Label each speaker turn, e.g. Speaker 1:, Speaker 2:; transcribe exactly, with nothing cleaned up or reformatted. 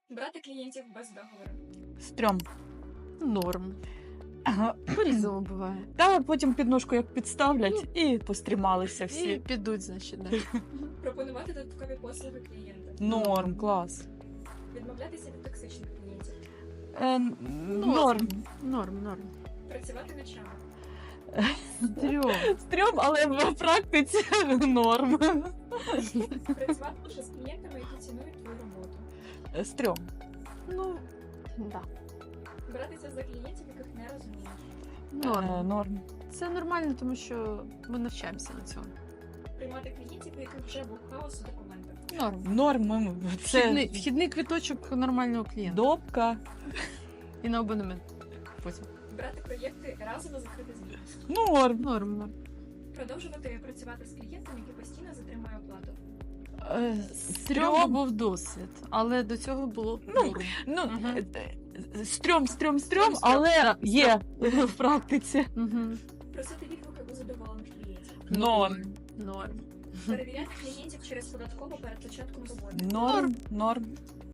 Speaker 1: Брати клієнтів без договору.
Speaker 2: Стрьом.
Speaker 3: Норм.
Speaker 2: Ага.
Speaker 3: По-різному буває.
Speaker 2: Та потім підножку як підставлять і пострімалися
Speaker 3: І
Speaker 2: всі.
Speaker 3: підуть, значить, да.
Speaker 1: Пропонувати додаткові послуги клієнта.
Speaker 2: Норм, клас.
Speaker 1: Відмовлятися від токсичних клієнтів.
Speaker 2: Е, норм.
Speaker 3: Норм, норм.
Speaker 1: Працювати ночами.
Speaker 3: Стрьом.
Speaker 2: Стрьом, але в практиці норм.
Speaker 1: Працювати лише з клієнтами, які цінують твою роботу.
Speaker 2: Е, Стрьом.
Speaker 3: Ну, да.
Speaker 1: Братися за клієнтів, яких не розумієш.
Speaker 2: Е,
Speaker 3: Норм.
Speaker 2: Норм.
Speaker 3: Це нормально, тому що ми навчаємося на цьому.
Speaker 1: Приймати клієнтів, у яких вже був хаос у документах.
Speaker 3: Норм.
Speaker 2: Норм. Це
Speaker 3: Вхідний, вхідний квиточок нормального клієнта.
Speaker 2: допка.
Speaker 3: І на абонемент. Потім.
Speaker 1: Брати проєкти разово закрити звітність.
Speaker 2: Норм.
Speaker 3: Норм, норм.
Speaker 1: Продовжувати працювати з клієнтом, який постійно затримує оплату.
Speaker 2: Е,
Speaker 3: Стрьом
Speaker 2: Стрьом.
Speaker 3: був досвід, але до цього було
Speaker 2: Ну,
Speaker 3: норм.
Speaker 2: Ну,
Speaker 3: Мгм.
Speaker 2: е, е, стрьом, стрьом, стрьом,
Speaker 1: стрьом.
Speaker 2: але є в практиці.
Speaker 3: Угу.
Speaker 1: Просити відгуки у задоволених клієнтів.
Speaker 2: Норм.
Speaker 3: Норм.
Speaker 1: Перевіряти клієнтів через податкову перед початком роботи.
Speaker 2: Норм. Норм.